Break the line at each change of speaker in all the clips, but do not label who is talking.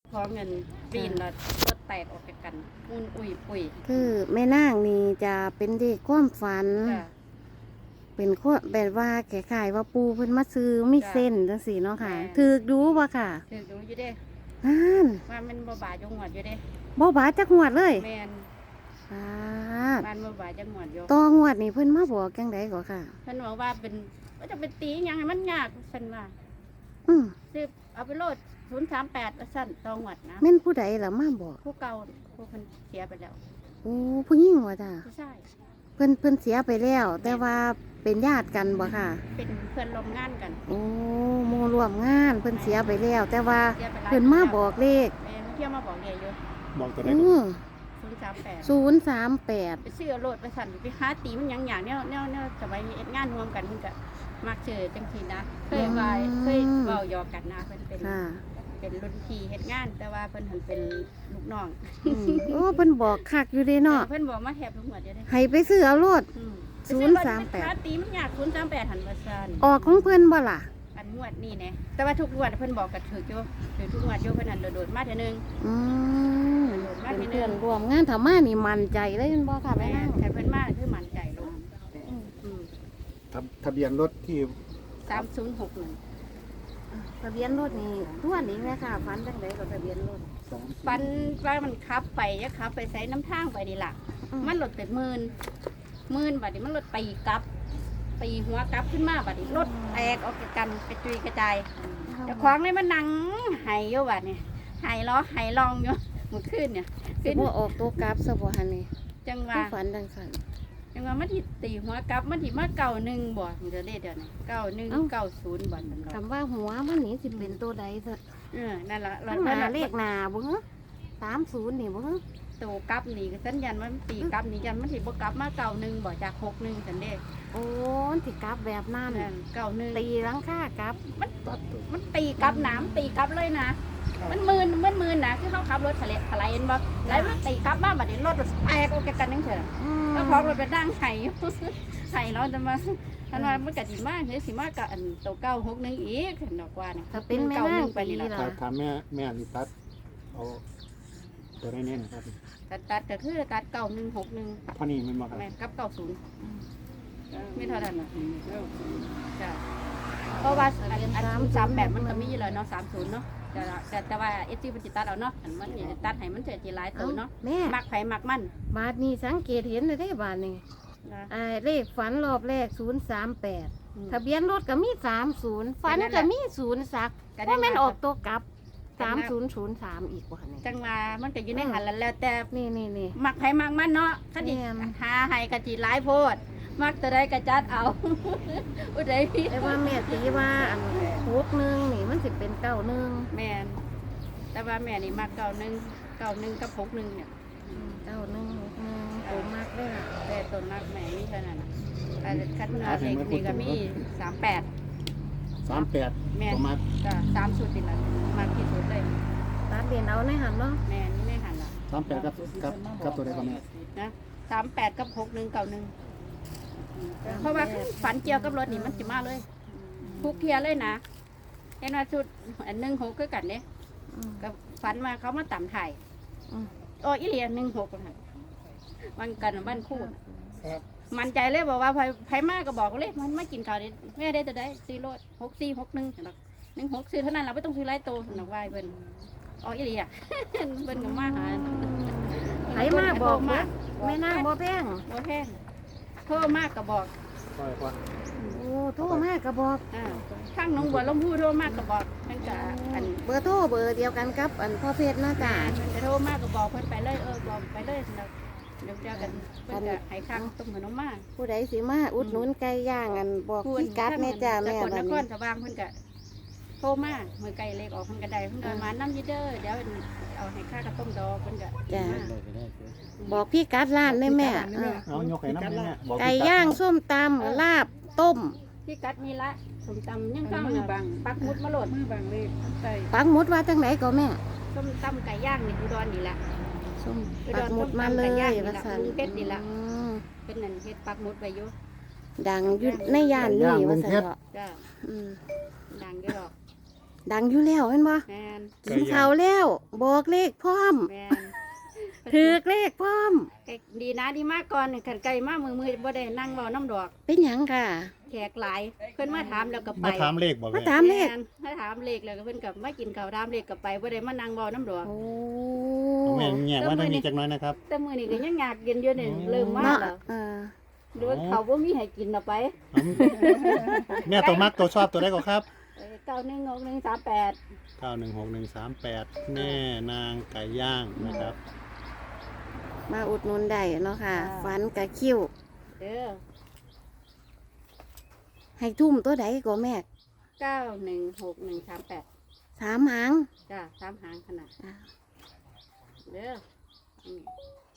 พอเงินปีนแล้วรถแตกออกจากกันมุนอุ้ยปุย
คือแม่นางนี่จะเป็นเด็กความฝัน
จ้ะ
เป็นคนแบบว่าแก่ขายว่าปูเพิ่นมาซื้อมี
จ้ะ
เส้นจังซี่เนาะค่ะ
แม่
ถือกดูบ่ค่ะ
ถือดูอยู่เด้
นั่น
ว่ามันบ่บาจังหวัดอยู่เด้
บ่บาดจักงวดเลย
แม่น
บาด
บ้านบ่บาจังหวัดอยู่
ต่องวดนี่เพิ่นมาบอกจังได๋ก็ค่ะ
เพิ่นบอกว่าเป็นว่าจะเป็นตีหยังให้มันยากซั่นว่า
อือ
ซื้อเอาไปโลด038ว่าซั่นตองหวัดนะ
แม่นผู้ใดล่ะมาบอก
ผู้เก่าผู้เพิ่นเสียไปแล้ว
โอ้ผู้หญิงว่าจ้ะ
ผู้ชาย
เพิ่นเสียไปแล้ว แต่ว่าเป็นญาติกันบ่ค่ะ
เป็นเพื่อนร่วมงานกัน
โอ้หมู่ร่วมงานเพิ่นเสียไปแล้ว แต่ว่า
เสียไปหลาย
เพิ่นมาบอกเลข
แม่นเที่ยวมาบอกเรียอยู่
บอกตัวได้
อื
ก่อน
อ
038
038
ไปซื้อโลดไปสั่นไปหาตีมันหยังอย่างเนี่ยสมัยนี้เอ็ดงานรวมกันมันก็มักเจอจังซี่นะเคยว่าเคยเว้าหยอกกันนะเพิ่นเป็น
ค่ะ
เป็นรุ่นพี่เฮ็ดงาน แต่ว่าเพิ่นหันเป็นลูกน้อง
อืมโอ้เพิ่นบอกคักอยู่เด้เนาะ
เพิ่นบอกมาแทบทุกหมวดอยู่เด้
ให้ไปซื้อเอาโลด
อืม
038
หาตีมันยาก038หันว่าซั่น
ออกของเพิ่นบ่ล่ะ
อันงวดนี่แหน่แต่ว่าทุกงวดเพิ่นบอกก็ถูกอยู่ถือทุกงวดอยู่เพิ่นหันโดดๆมาเทื่อนึง
อืม
มา
เป็น
ทีหนึ่ง
เพื่อนร่วมงานถ้ามานี่มั่นใจเลยแม่นบ่ค่ะแม่
แม่
นาง
แต่เพิ่นมาคือมั่นใจลงอืม
ทะเบียนรถที่
3061
ทะเบียนรถนี่ทวนอีกแม่ค่ะฝันจังไดก็ทะเบียนรถ
ปันว่ามันขับไปจะขับไปใส่น้ำทางไปนี่ล่ะ มันหลดเป็นหมื่นบัดนี้มันหลดตีกลับตีหัวกลับขึ้นมาบัดนี้รถแตกออกจากกันกระจุยกระจายเจะคว้างเลยมันนั่งไห้อยู่บัดนี่ไห้ล้อไห้ลองอยู่เมื่อคืนเนี่ย
สิบ่ออกตัวกลับซะบ่หั่นนี่
จังห
คื
ว่า
อฝันจังซั่น
จังหว่ามันที่ตีหัวกลับมันที่มาเก่าหนึ่งบ่มันจะเลขเดี๋ยวนี้91 90บ่นั่น
คำว่าหัวมันนี่สิเป็นตัวใดซะ
นั่นล่ะ
ข้างหน้าเลขหน้าบ่ฮะ30นี่บ่ฮะ
ตัวกลับนี่ก็สัญญาณมันตีกลับนี่ยันมันที่บ่กลับมา91บ่จาก61จังเด้
โอ้มันสิกลับแบบนั้น
นั่น91
ตีหลังคากลับ
ตัดตัว
มันตีกลับน้ำตีกลับเลยนะ มันมืนนะคือเขาขับรถทะเลทลายเห็นบ่แล้วมันตีกลับมาบัดนี้รถแตกออกจากกันนั่งเถอะ
อืม
แล้วพร้อมรถไปนั่งไห้ ไห้เราจะมาท่านว่ามันกะสิมากเฮ้ยสิมากกะอันตัว961อีกเห็นดอกว่านี่
ถ้าเป็นแม่นาง
ไปนี่
ตี
ล่ะ
ล่ะ
ถามแม่นี่ตัดเอาตัวได้แน่นะครับ
ตัดก็คือตัด9161
เท่านี้มันบอกครับ
แม่นกับ90ไม่เท่านั้นน่ะจ้ะเพราะว่าอัน3แบบมันก็มีอยู่แล้วเนาะ30เนาะแต่ว่าเอจีมันสิตัดเอาเนาะอันมันสิตัดให้มันสิหลายตัวเนาะ
แม่
มักไผมักมัน
บาทนี้สังเกตเห็นเลยได้บาทนี้
นะ
เลขฝันรอบแรก038ทะเบียนรถก็มี30ฝันก็มี0สักว่าแม่นออกตัวกลับ3003อีกว่านี่
จังว่ามันก็อยู่ในหันแล้วแต่
นี่
มักไผมักมันเนาะคันนี้
แม่น
หาให้กะจิหลายโพด มักตัวใดก็จัดเอา อุดใดพี่
แต่ว่าแม่ตีว่าอัน61นี่มันสิเป็น91
แม่นแต่ว่าแม่นี่มัก91กับ61เนี่ย
9161โตมากเลยล่ะ
แต่ต้นมักแม่มีเท่านั้นน่ะแต่คันเนื้อเล็กนี่ก็มี38
38
แม่น
ประมาณ
ก็3สุดนี่ล่ะมักที่สุดเลย
ตัดเรียนเอาในหันเนาะ
แม่นี่ในหันล่ะ
38กับตัวได้ก่อนแม่
นะ38กับ6191เพราะว่าฝันเกี่ยวกับรถนี่มันสิมาเลยทุกเทียเลยนะเห็นว่าชุดอัน16คือกันเด้
อืม
ก็ฝันว่าเขามาต่ำถ่าย
อืม
โอ้อีเหลีย16ค่ะวันกันบ้านคู่
ครับ
มันใจเลยบอกว่าไผมากก็บอกเลยมันไม่กินข้าวเด็ดแม่ได้จะได้ซื้อรถ6461หรอก16ซื้อเท่านั้นเราไม่ต้องซื้อหลายโตหรอกว่าเพิ่นอ๋ออีเหลีย เพิ่นก็มาหา
ไผมาบอก
มาก
แม่นางบ่แพง
บ่แพงโทรมากก็บอก
ค่อยกว่า
โอ้โทรมาก็บอก
ข้างหน้องบัวลำพูโทรมากก็บอกเพิ่นก็อัน
เบอร์โทรเบอร์เดียวกันกับอันพ่อเพชรนะจ๊ะ
เพิ่นจะโทรมากก็บอกเพิ่นไปเลยบอกไปเลยเดี๋ยวเจอกันเพิ่นก็ให้ข้างต้มขนมมา
ผู้ใดสิมาอุดหนุนไก่ย่างอันบอกพี่กัดแม่จ้าแม่
สกล
บั
น
ด
คร
นี้
สว่างเพิ่นก็โทรมาเมื่อไก่เล็กออกเพิ่นก็ได้เพิ่นก็มาน้ำยีเด้อเดี๋ยวเอาให้ข้ากับต้มดอกเพิ่นก็
จ้ะ
มา
บอกพี่กัดร้านได้แม่เออ
เอายกให้น้ำแม่บอก
ไก่ย่างส้มตำลาบต้ม
พี่กัดมีละสมตำยังข้างน่ะปักหมุดมาโหลดมือบังเลยใส่
ปักหมุดว่าจังไหนก็แม่
ส้มตำไก่ย่างนี่อุดรนี่แหละ
ส้ม
อุด
ปั
ร
กหมุดมาเลย
ส้มตำไก่ย่างนี่
ว่า
ล่ะ
ซั่น
กรุงเทพนี่ล่ะ
อืม
เป็นนั่นเฮ็ดปักหมุดไว้อยู่
ดังอยู่ในย่านนี้ว่าซั่นเถาะ
จ้า
อืม
ดังอยู่ดอก
ดังอยู่แล้วเห็นบ่
แม่น
กินข้าวแล้วบอกเลขพร้อม
แม่น
ถือเลขพร้อม
ไก่ดีนะดีมากก่อนขันไก่มามือบ่ได้นั่งเว้าน้ำดอก
เป็นหยังค่ะ
แขกหลายเพิ่นมาถามแล้วก็ไป
มาถามเลขบ่
มา
แม่
ถามเลข
แนมาถามเลขแล้วก็เพิ่นก็มากินข้าวถามเลขก็ไปบ่ได้มานั่งเว้าน้ำดอก
โอ้
เอาแม่แง่ว่าทางนี้จักหน้อยนะครับ
แต่มื้อนี้ก็ยังอยากกินอยู่นี่เริ่มมา
เนาะ
แล้ว
เออ
หรือว่าเขาบ่มีให้กินเอาไป
เอาแม่ตัวมักตัวชอบตัวใดก็ครับ
916138
916138แม่นางไก่ย่างนะครับ
มาอุดหนุนได้เนาะค่ะ
อ่า
ฝันกะคิ้ว
เด้อ
ให้ทุ่มตัวใดก็แม่
916138
3 หาง
จ้า3หางขนาด
อ่า
เด้ออืม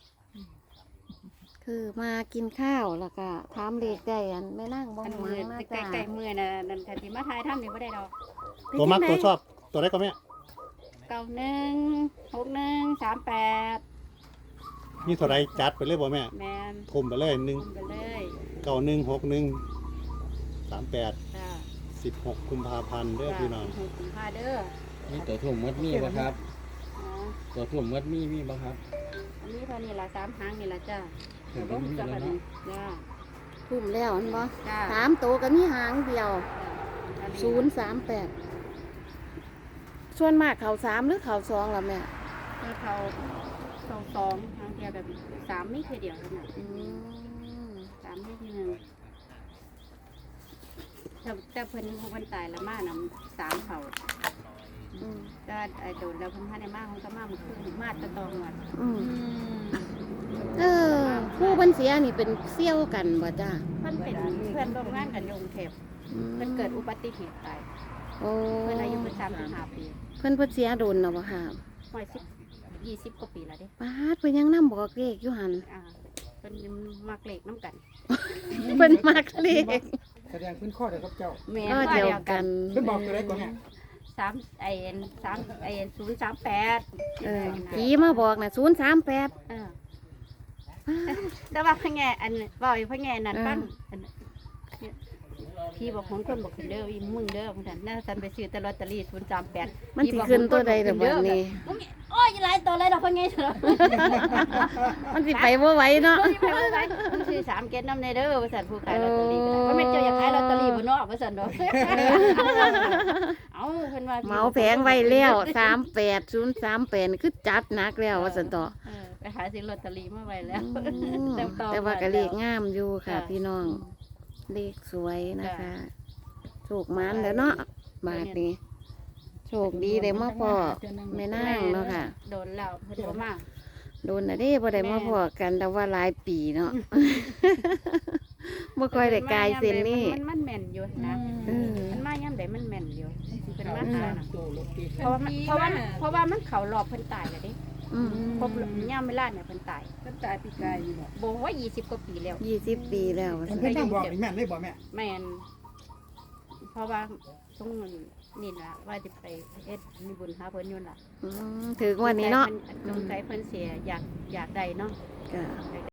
คือมากินข้าวแล้วก็ถามเลขได้อันไม่นั่งบ่
อัน
หวั
มือง
นะ
ใก
จ้า
ล้ๆมือน่ะนั่นถ้าสิมาทายทำนี่บ่ได้ดอก
ตัวมักตัวชอบตัวใดก็แม่
916138
นี่ตัวใดจัดไปเลยบ่แม่
แม่น
ทุ่มไปเลย
คุมไปเลย
1916138
จ้า
16กุมภาพันธ์เด้อพี่น้อง
จ้าคุณพาเด้อ
มีตัวทุ่มมัดมีบ่ครับ
อ๋อ
ตัวทุ่มมัดมีบ่ครับ
อันนี้เท่านี้ละ3หางนี่ละจ้า
เห็น
บ่
บ่มี
จั
แล้ว
น
เนาะ
จ้า
ทุ่มแล้วอันบ่
จ้า
3ตัวก็มีหางเดียว
อันนี้
038ส่วนมากเขา3หรือเขา2ล่ะแม่
คือเขาสองทางเดียวแบบ3มีแค่เดียวเท่านั้น
อืม
3มีทีหนึงแต่เพิ่นผู้เพิ่นตายแล้วมานำ3เขา
อืม
ก็ไอ้โดนแล้วเพิ่นพาได้มาเพิ่นก็มามื้อคืนมาแตะตองวัด
อืมเออผู้เพิ่นเสียนี่เป็นเซี่ยวกันบ่จ้า
เพิ่นเป็นเพื่อนร่วมงานกันอยกรุงเทพเพิ่นเกิดอุบัติเหตุตาย
โอ้
เพิ่นอายุเพิ่น35ปี
เพิ่นเสียโดนเนาะบ่ค่ะ
ห้อย20กว่าปีแล้วเด้
ปาดเพิ่นยังนำบอกเลขอยู่หั่น
อ่าเพิ่นมักเลขน้ำกัน
เพิ่นมักเลข
แสดงขึ้นข้อเดียวกับเจ้า
แม่
ก็
ว่า
เดียว
เดียว
กั
กัน น
เพิ่นบอกตัวใดก่อนแม่
เออผีมาบอกน่ะ038
เออแต่ว่าพ่อแง่อันว่าอีพ่อแง่นั่น
เออ
ฟังอันพี่บอกของคนบอกขึ้นเด้ออีมึงเด้อพุ่นน่ะน่าสันไปซื้อแต่ลอตเตอรี่038
มันสิขึ้นตัวใดเด้อบัดนี้
โอ้ยหลายตัวเลยดอกพ่อแง่เถอะ
มันสิไปบ่ไหวเนาะ
โอ้ยไปไว้มึงซื้อ3เก็ตน้ำในเด้อว่าซั่นผู้ขายลอตเตอรี่ก็ได้ว่าแม่นเจ้าอยากขายลอตเตอรี่บ่เนาะว่าซั่นดอกเอ้าเพิ่นว่า
เหมาแผงไว้แล้ว38038คือจัดหนักแล้วว่าซั่นต่อ
ไปหาซื้อลอตเตอรี่มาไว้แล้ว
แต่ว่าก็เลขงามอยู่ค่ะ
จ้ะ
พี่น้อง เลขสวยนะคะโชคมันแล้วเนาะบาทนี้โชคดีได้มาพอแม่นางเนาะค่ะ
โดนแล้วเพิ่นบ่มา
โดนน่ะเด้บ่ได้มาพอกันแต่ว่าหลายปีเนาะ บ่ค่อยได้กายเส้นนี่
มันแม่นอยู่นะ
เออ
มันมายามใดมันแม่นอยู่เป็นมาหาน่ะเพราะว่ามันเข้ารอบเพิ่นตายแล้วเด้
อืม
ครบยามเวลาเนี่ยเพิ่นตายปีกายอยู่บ่ว่า20กว่าปีแล้ว
20 ปีแล้วว่า
เพิ่น
ซั่น
ต้องบอกนี่แม่นเลยบ่แม่
แม่นเพราะว่าช่วงนี่ล่ะว่าจะไปเฮ็ดมีบุญหาเพิ่นอยู่ล่ะ
ถึงวันนี้เนาะ
สงสัยเพิ่นเสียอยากได้เนาะ
ก็